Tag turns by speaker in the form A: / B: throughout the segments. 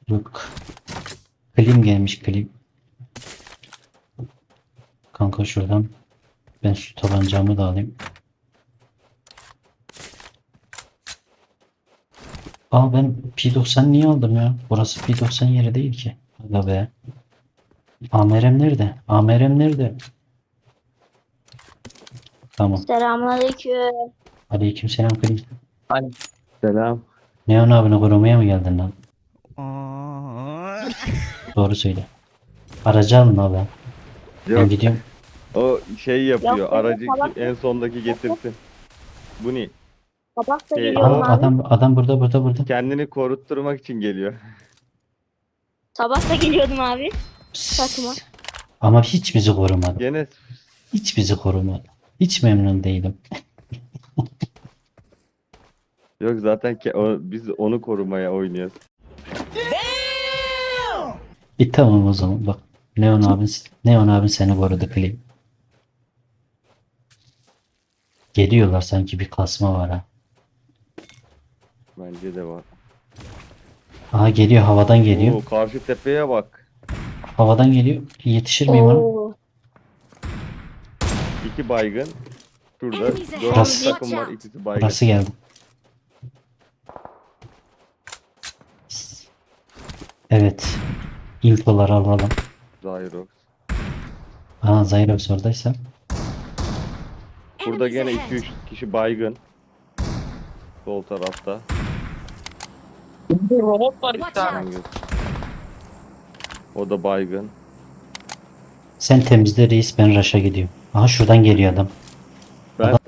A: Yok. Klim gelmiş klim. Kanka şuradan ben şu tabancamı da alayım. Aa ben P90 niye aldım ya? Burası P90 yeri değil ki. Aga be. AMR'm nerede? AMR'm nerede? Tamam.
B: Selamünaleyküm.
A: Aleykümselam klim.
C: Selam.
A: Neon abini korumaya mı geldin lan? Doğru söyle. Aracı alın abi. Ben
C: Yok,
A: gidiyorum.
C: o şey yapıyor.
B: Yok,
C: Aracı
B: salak.
C: en sondaki getirsin. Bu ne?
B: Sabah da
C: Şey,
B: geliyorum
A: Aa,
B: abi.
A: adam burada.
C: Kendini korutturmak için geliyor.
B: Sabah da geliyordum abi.
A: Psst.
B: Saçma.
A: Ama hiç bizi korumadı.
C: Gene
A: Hiç bizi korumadı. Hiç memnun değilim.
C: yok zaten biz onu korumaya oynuyoruz.
A: Tamam o zaman bak. Neon abin seni korudu Klim. Geliyorlar sanki bir kasma var ha.
C: Bence de var.
A: Aha geliyor havadan geliyor.
C: Oo, karşı tepeye bak.
A: Havadan geliyor. Yetişir miyim ona?
B: Oo.
C: 2 baygın. Şurada
D: Enemies ahead.
C: 4
A: Burası-
C: takım var. İkisi baygın.
A: Burası geldi. Evet. İnfoları alalım.
C: Zyrox.
A: Aha Zyrox oradaysa.
C: Burada
D: Enemies
C: gene
D: ahead.
C: 2-3 kişi baygın. Sol tarafta.
E: Robot var
D: Watch
E: işte abi.
D: out.
C: O da baygın.
A: Sen temizle reis ben Raş'a gidiyorum. Aha şuradan geliyor adam.
C: Ben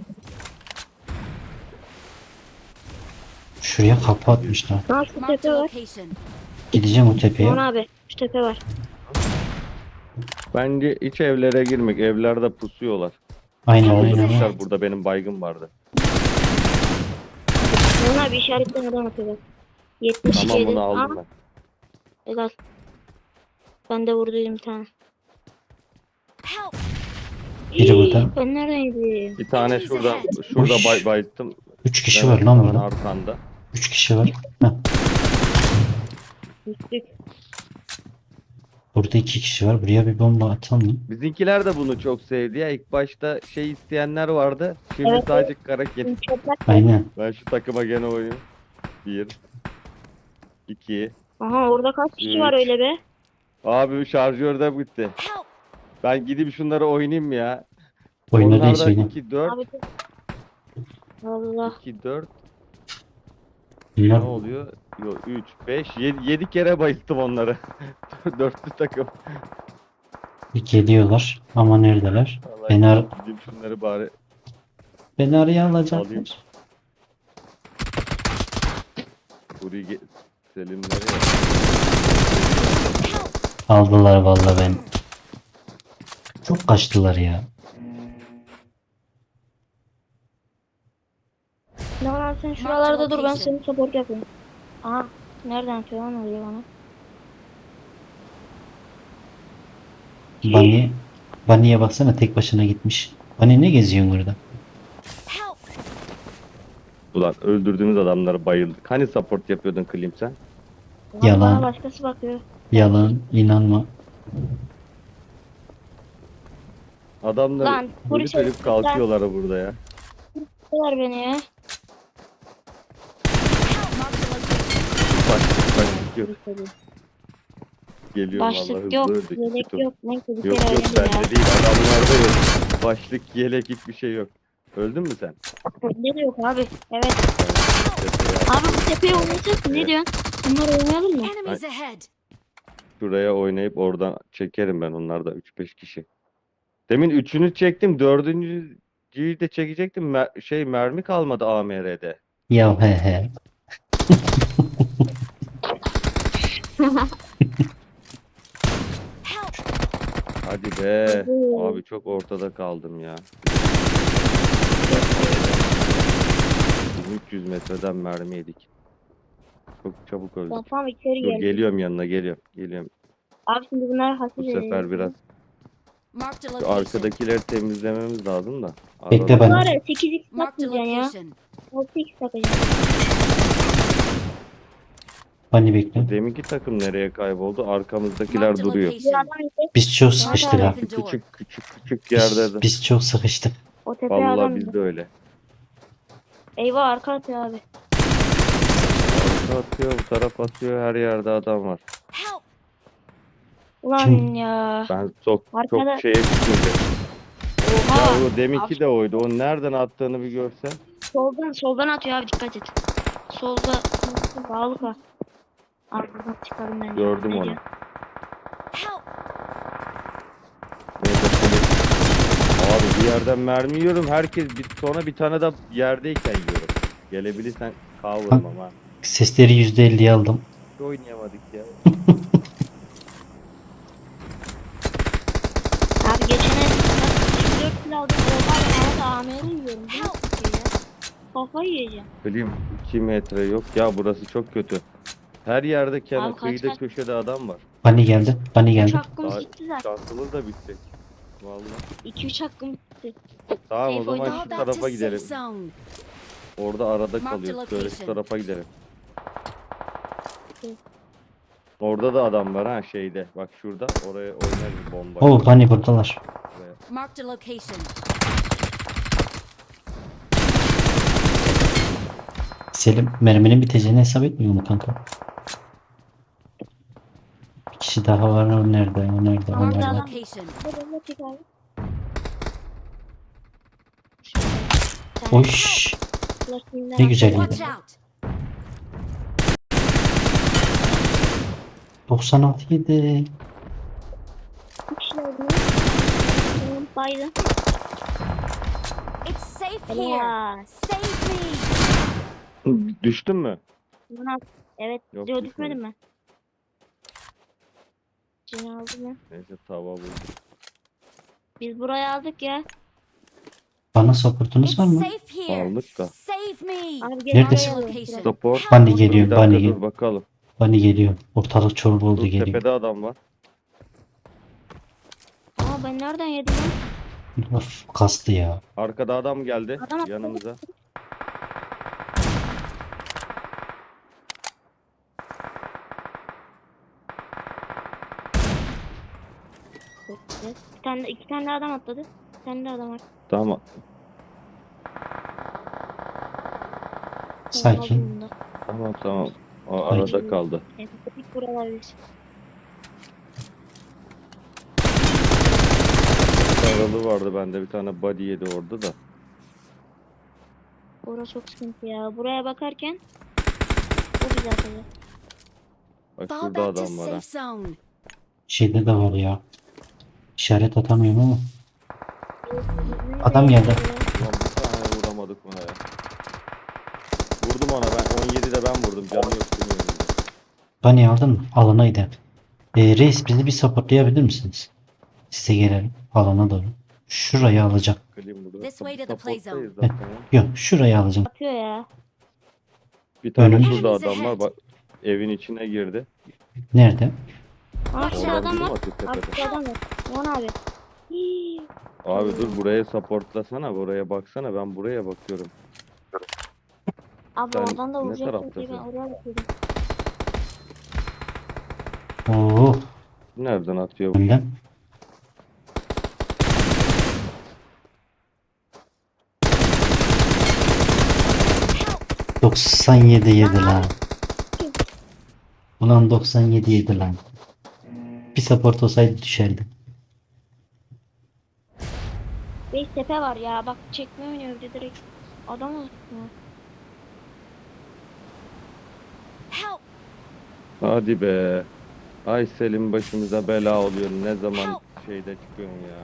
A: Şuraya kapı atmışlar.
B: Ha şu
D: Marked
B: tepe
D: a
B: var.
D: location.
A: Gideceğim o tepeye.
B: Aman abi şu tepe var.
C: bence iç evlere girmek. Evlerde pusuyorlar.
A: Aynen
C: Kaldırmışlar, burada benim baygın vardı.
B: Aman abi işaretten adam atıyor bak. 77.
C: Tamamını aldım
B: Ha,
C: ben.
B: helal. Ben de vurduydum bir tane.
D: Help!
A: Biri burada.
B: Ben neredeydim?
C: Bir tane
D: Enemies
C: şurada
D: ahead.
C: bayılttım.
A: 3 kişi
C: Ben
A: var lan burada.
C: arkanda.
A: 3 kişi var. Heh.
B: Düştük.
A: Burada 2 kişi var. Buraya bir bomba atalım mı?
C: Bizimkiler de bunu çok sevdi ya. İlk başta şey isteyenler vardı. Şimdi
B: Evet,
C: sadece karaket.
B: Çöpler.
A: Aynen.
C: Ben şu takıma gene oynuyorum. 1 2
B: Aha orada kaç kişi var
C: Üç.
B: öyle be?
C: Abi şarjör de bitti.
D: Help!
C: Ben gidip şunları oynayayım ya.
A: Oyunda değil
C: Onlardan
A: oyna.
C: 2 4
B: Abi Allah.
C: 2 4
A: Bunlar
C: ne oluyor? Yok 3 5 7 kere bayılttım onları. Dörtlü takım.
A: geliyorlar. Ama neredeler?
C: Vallahi
A: Beni,
C: gideyim şunları bari
A: beni araya
C: alayım.
A: alacaklar.
C: Burayı Selimleri ya.
A: Aldılar vallahi ben. Çok kaçtılar ya.
B: Ne var sen şuralarda dur ben seni support yapayım. Aha nereden atıyor lan öyle bana?
A: Bunny'e baksana tek başına gitmiş. Bunny ne geziyorsun burada?
D: Help!
C: Ulan öldürdüğümüz adamları bayıldık. Hani support yapıyordun Klim sen?
B: Lan
A: Yalan.
B: bana başkası bakıyor.
A: Yalan, inanma.
C: Adamlar
B: Lan, polis
C: ölüp
B: herifler.
C: kalkıyorlar burada ya.
B: Ver beni ya.
C: Başlık yok. Geliyorum vallahi
B: Başlık
C: hızlı
B: yok,
C: öldük.
B: yelek
C: Kötü.
B: yok. Neyse bir
C: Yok
B: kere
C: yok
B: öğrendim ya.
C: bende değil adamlarda yok. Başlık yelek hiçbir şey yok. Öldün mü sen?
B: Ne de yok abi. Evet.
C: Tepeye
B: Abi bu tepeye oynayacak mı? Ne diyorsun? Bunlar oynayalım mı?
D: Enemies ahead.
C: Şuraya oynayıp oradan çekerim ben onlarda 3-5 kişi. Demin 3'ünü çektim 4.'yü de çekecektim. Mermi kalmadı AMR'de.
A: Ya he he.
D: Help!
C: Hadi be.
B: Oo.
C: Abi çok ortada kaldım ya. 300 metreden mermi yedik. Çok çabuk öldük.
B: Ben tam içeri
C: Dur
B: geldim.
C: geliyorum yanına geliyorum.
B: Abi şimdi bunlar hafif
C: Bu sefer biraz
D: Marked a
C: şu
D: location.
C: arkadakileri temizlememiz lazım da.
A: Bekle
C: Arada-
A: ben-
B: Var ya 8x
D: Marked a
B: takmayacaksın ya.
D: location.
B: 6x takacaksın.
A: Bani bekle.
C: Deminki takım nereye kayboldu? Arkamızdakiler
D: Marked a
C: duruyor.
B: Bir
D: location.
B: adam indi.
A: Biz çok
B: Mehmet
A: sıkıştık
B: abi.
A: ha.
D: Open door.
C: Küçük yerde de.
A: Biz çok sıkıştık.
B: O tepeye
C: Vallahi
B: adam
C: biz
B: indi.
C: de öyle.
B: Eyvah arka atıyor abi.
C: Arka atıyor, bu taraf atıyor, her yerde adam var.
D: Help!
B: Ulan
A: Kim?
B: ya.
C: Ben çok
B: Arkada.
C: şeye çıkmayacağım.
B: Oha.
C: Ya o deminki de oydu. O nereden attığını bir görsen.
B: Soldan atıyor abi dikkat et. Solda sağlık var. Arkadan çıkarım ben.
C: Gördüm
B: Ne
C: onu.
B: diyor?
D: Help!
C: Neyse, abi bir yerden mermi yiyorum. Sonra bir tane de yerdeyken yiyorum. Gelebilirsen kavurum ama.
A: Sesleri %50'ye aldım.
C: Hiç oynayamadık ya.
B: Abi geçen el 24 kilo aldım. Oha ben havada AMR yiyorum. Bu nasıl bir şey ya? Kafayı yiyeceğim.
C: Klim 2 metre yok ya, burası çok kötü. Her yerde
B: Abi kaç
C: kıyıda
B: kaç.
C: köşede adam var.
A: Bani geldi. Bani
B: 3
A: geldi.
B: hakkımız
C: Daha
B: gitti zaten.
C: şansımız da bitecek. Vallahi.
B: 2-3 hakkım gitti.
C: Tamam, o
B: Safe
C: zaman
B: oyna.
D: Fall
C: şu
D: back to
C: tarafa
D: safe
C: gidelim.
D: zone.
C: Orada arada
D: Mark the
C: kalıyoruz. Şöyle şu
D: location.
C: tarafa gidelim.
B: Evet.
C: Orada da adam var ha, şeyde. Bak şurada. Oraya oynarız bomba.
A: Oo Bani buradalar.
C: Oraya.
D: Marked a location.
A: Selim merminin biteceğini hesap etmiyor mu kanka? Bir kişi daha var. O nerede? O nerede? O
D: Marked a
A: nerede?
D: location.
B: Hadi ne çek abi.
A: Oş. Ne güzel
D: Watch
A: yedi.
D: out!
A: 96 yedi.
B: Baydı.
D: It's safe here.
B: Helal.
D: Save me!
C: Düştün mü?
B: Evet.
C: Yok,
B: Yok
C: düşmedim.
B: düşmedim ben. Cini aldım ben.
C: Neyse, tava buldu.
B: Biz burayı aldık ya.
A: Bana supportunuz
D: It's
A: var mı?
D: safe here.
C: Aldık da.
D: Save me!
B: Abi gel
A: Neredesin?
B: buraya
D: Location.
B: alalım.
C: Support.
A: Bani
C: Bir
A: geliyor.
C: dakika
A: Bani
C: dur
A: geliyor.
C: bakalım.
A: Bani geliyor. Ortalık çorba oldu
C: Dur,
A: geliyor.
C: tepede adam var.
B: Aa ben nereden yedim lan?
A: Of kastı ya.
C: Arkada adam geldi
B: Adam atladı.
C: yanımıza.
B: Evet. İki tane de adam atladı. Bir tane de adam var.
C: Tamam.
A: Sakin.
C: Tamam. O arada kaldı.
B: Empatik buralar biz.
C: Aralı vardı bende, bir tane body yedi orada da.
B: Orası çok sıkıntı ya. Buraya bakarken o bizi atacak.
C: Bak
D: Fall
C: şurada
D: back to
C: adam var ha.
D: safe zone.
A: Şeyde de var ya. İşaret atamıyorum ama. Adam geldi.
C: Ulan bir tane vuramadık buna ya. Vurdum ona ben. 17'de ben vurdum. Canı yok benim önümde.
A: Bani aldın mı? Alanaydı. Reis bizi bir supportlayabilir misiniz? Size gelelim. Alana doğru. Şurayı alacağım.
C: Klim burada.
D: This way to the play zone.
C: Supporttayız zaten ya.
A: Yok şurayı alacağım.
B: Atıyor ya.
C: Bir tane
A: Önüm.
C: şurada
D: Enemies
C: adam var.
D: ahead.
C: Bak evin içine girdi.
A: Nerede?
B: Aa şurada
C: Oradan
B: adam
C: vurdum
B: var.
C: atıyor
B: Abi
C: tepede.
B: şurada adam var. Aman abi. Hii.
C: Abi dur, buraya supportlasana. Buraya baksana. Ben buraya bakıyorum.
B: Abi
C: Sen
B: oradan da
C: ne
B: vuracaksın diye ben
C: taraftasın?
B: oraya bakıyordum.
A: Oo.
C: Nereden atıyor bu?
A: Önden.
D: Help!
A: 97 yedi lan. Ulan 97 yedi lan. Bir support olsaydı düşerdi.
B: 5 tepe var ya. Bak çekme oynuyor bir de direkt. Adam olsun ya.
D: Help!
C: Hadi be. Ay Selim, başımıza bela oluyor. Ne zaman şeyde çıkıyorsun ya.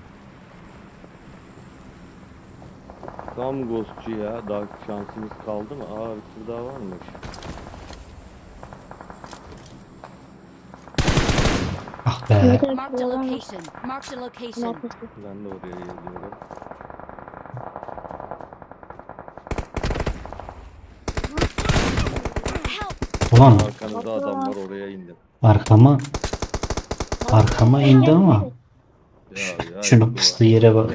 C: Tam ghostçu ya. Daha şansımız kaldı mı? Aa, bir tur daha varmış.
A: Ah be.
B: Evet,
D: Marked a
B: buradan var.
D: location. Marked a location.
B: Arkası.
C: Ben de oraya geliyorum.
D: Help!
A: Ulan
C: Arkanızda adam var, oraya indim.
A: arkama indi ama.
C: Ya,
A: Şunun pusduğu yere bak.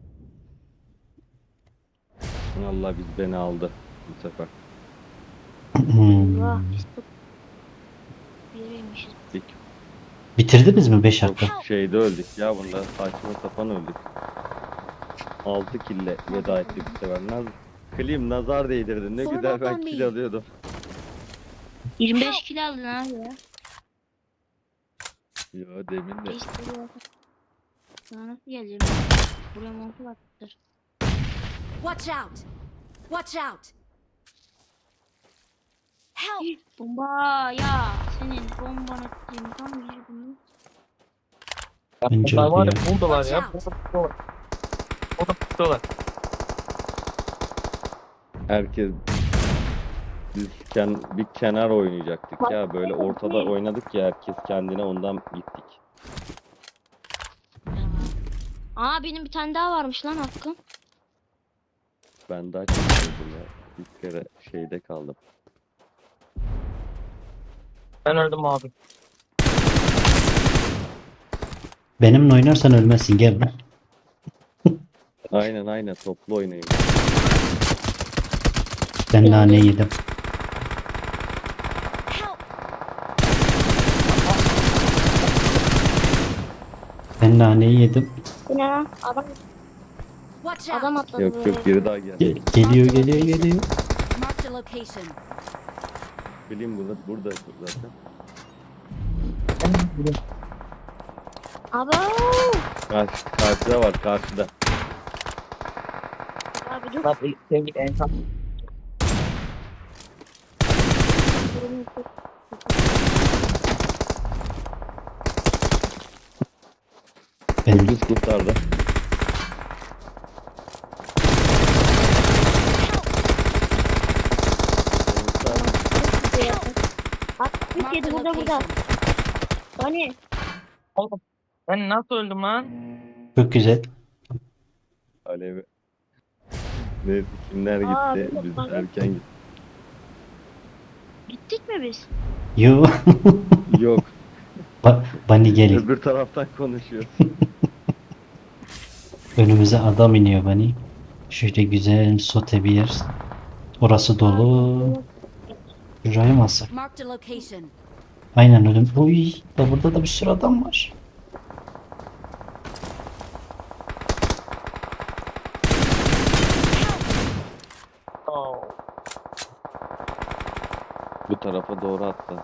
C: Allah beni aldı bu sefer.
B: Allah.
A: Hmm.
B: Biriymişiz.
A: Bitirdiniz mi 5
C: Çok
A: dakika?
C: şeyde öldük ya bunda. Saçma sapan öldük. 6 kille veda ettik bu sefer. Klim nazar değdirdi. Ne
D: Form
C: güzel
D: up
C: ben
D: on
C: kill
D: me.
C: alıyordum.
B: 25 kilo aldın abi ya.
C: Ya demin de.
B: Reis buraya bak. Sana nasıl geleceğim? Buraya montu baktır.
D: Watch out! Watch out! Help!
B: Bomba ya. Senin bomban ettiğin tam yüzünü.
A: Bence
E: Bunlar var ya
A: öyle
E: buradalar ya.
D: Watch out.
E: Burada buradalar. Burada buradalar.
C: Herkes biz bir kenar oynayacaktık ya. Böyle ortada oynadık ya herkes kendine ondan gittik.
B: Aa benim bir tane daha varmış lan hakkım.
C: Ben daha çıkmadım ya. Bir kere şeyde kaldım.
E: Ben öldüm abi.
A: Benimle oynarsan ölmezsin gel lan.
C: Aynen toplu oynayın.
A: Ben nane yedim.
D: Help!
A: Ben naneyi yedim.
B: Bu ne lan?
D: Watch
B: Adam
D: out!
B: atladı
C: Yok
B: buraya.
C: yok biri daha geldi.
A: Geliyor.
D: Marked a location.
C: Bileyim burada zaten.
B: Abo.
C: Karşıda var karşıda.
B: Abi dur.
E: Lan sevgili insan.
A: Benim
C: Ucuz kurtardı.
B: Bak bir
D: Marked
B: kedi
D: a
B: burada.
D: location.
B: Hani
E: Oğlum ben nasıl öldüm lan?
A: çok güzel.
C: Alevi. Neyse kimler
B: Aa,
C: gitti?
B: bir
C: Biz
B: dakika.
C: erken gittik.
B: gittik mi biz?
A: Yo.
C: Yok.
A: Bunny gelin.
C: Öbür taraftan konuşuyor.
A: Önümüze adam iniyor Bunny. Şöyle güzel sote bir yer. Orası dolu. Şuraya mı alsak?
D: Marked a location.
A: Aynen öyle. Uy, da burada da bir sürü adam var.
E: Oo.
C: Bu tarafa doğru attı.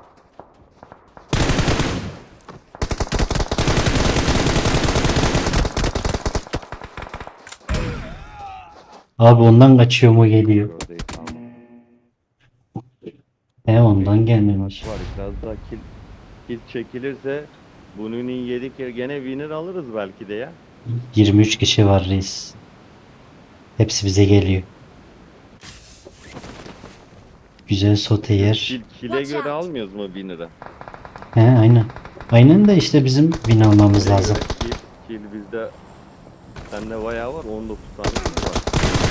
A: Abi ondan kaçıyor mu geliyor?
C: Oradayız ama.
A: Ondan gelmemiş.
C: Var biraz daha kill çekilirse bunun yedik ya gene winner alırız belki de ya.
A: 23 kişi var reis. Hepsi bize geliyor. Güzel sote yer.
C: Kill'e
D: Watch
C: göre
D: out.
C: almıyoruz mu winner'ı?
A: Aynen. Aynen de işte bizim win almamız
C: Kill'e
A: lazım.
C: göre Kill bizde sende bayağı var 19 tane kill var.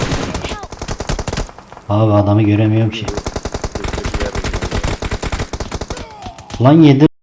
A: Abi adamı göremiyorum ki.
C: Kötü bir yer.
A: Lan yedim.